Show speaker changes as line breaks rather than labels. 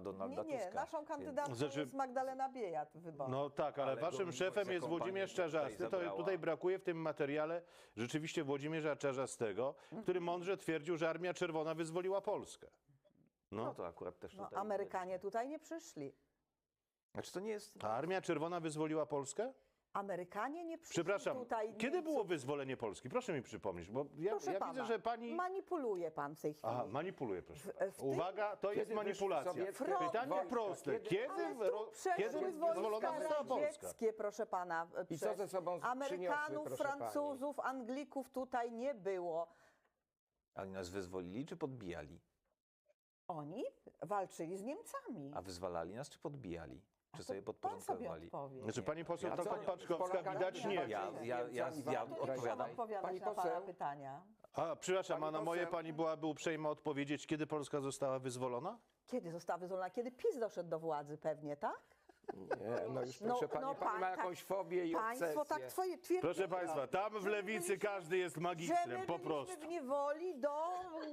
Donalda
Nie,
Tuska.
naszą kandydatką
Znaczy-
jest Magdalena Biejat, wybor.
No tak, ale waszym szefem jest Włodzimierz Czarzasty. To tutaj brakuje w tym materiale rzeczywiście Włodzimierza Czarzastego, który mądrze twierdził, że Armia Czerwona wyzwoliła Polskę.
No to akurat też
No,
tutaj...
Amerykanie tutaj nie przyszli.
Znaczy to nie jest...
A Armia Czerwona wyzwoliła Polskę?
Amerykanie nie przyszli
Przepraszam,
tutaj.
kiedy było wyzwolenie Polski? Proszę mi przypomnieć, bo
Proszę
ja
pana,
widzę, że pani...
manipuluje pan w tej chwili.
Aha, manipuluje, proszę.
w tej-
Uwaga, to jest
Kiedy
manipulacja.
wyszły
sowieckie
Pytanie
wojska?
proste.
Kiedy-
Kiedy
Przeszły
wyzwolona
wojska
została Polska?
radzieckie, proszę pana.
I co ze sobą
Amerykanów,
przyniosły, proszę pani?
Francuzów, Anglików tutaj nie było.
Oni nas wyzwolili czy podbijali?
Oni walczyli z Niemcami.
A wyzwalali nas czy podbijali? Czy
To
sobie
pan sobie
podporządkowali?
odpowie.
Znaczy pani poseł
A co-
Paczkowska
Polakami
widać nie.
Ja odpowiadam.
odpowiadać
Pani
na pana
poseł?
pytania.
A, przepraszam, a
Pani
na moje
poseł-
pani byłaby uprzejma odpowiedzieć, kiedy Polska została wyzwolona?
Kiedy została wyzwolona? Kiedy PiS doszedł do władzy pewnie, tak?
Nie, no już proszę pani, pani ma jakąś fobię i obsesję.
Państwo tak twoje twierdzenie.
Proszę państwa, tam w lewicy każdy jest
że
magistrem,
my
po
byliśmy
prostu.
w niewoli do